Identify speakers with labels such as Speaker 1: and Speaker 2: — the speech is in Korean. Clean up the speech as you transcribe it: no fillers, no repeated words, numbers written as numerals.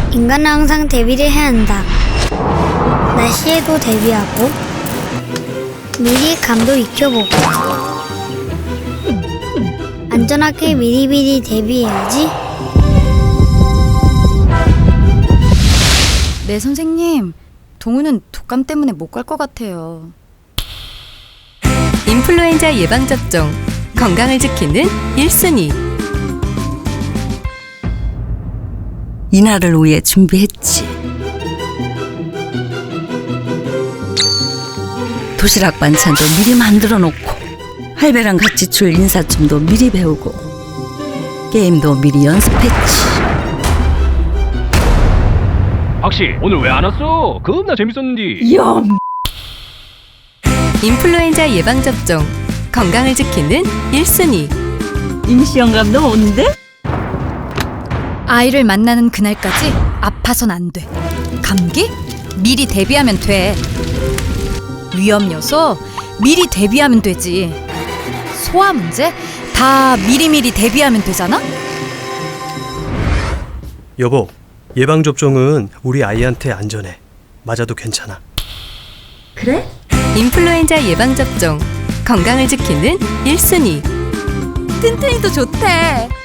Speaker 1: 인간은 항상 대비를 해야 한다. 날씨에도 대비하고 미리 감도 익혀보고 안전하게 미리미리 대비해야지.
Speaker 2: 네, 선생님. 동우는 독감 때문에 못 갈 것 같아요.
Speaker 3: 인플루엔자 예방접종, 건강을 지키는 1순위.
Speaker 4: 이날을 위해 준비했지. 도시락 반찬도 미리 만들어 놓고 할배랑 같이 출 인사춤도 미리 배우고 게임도 미리 연습했지.
Speaker 5: 박씨 오늘 왜 안 왔어? 겁나 재밌었는데.
Speaker 3: 인플루엔자 예방접종, 건강을 지키는 1순위.
Speaker 4: 임시영감 너 온대?
Speaker 2: 아이를 만나는 그날까지 아파선 안 돼. 감기? 미리 대비하면 돼. 위험 요소? 미리 대비하면 되지. 소화 문제? 다 미리미리 대비하면 되잖아?
Speaker 6: 여보, 예방접종은 우리 아이한테 안전해. 맞아도 괜찮아.
Speaker 3: 인플루엔자 예방접종, 건강을 지키는 1순위.
Speaker 2: 튼튼이도 좋대.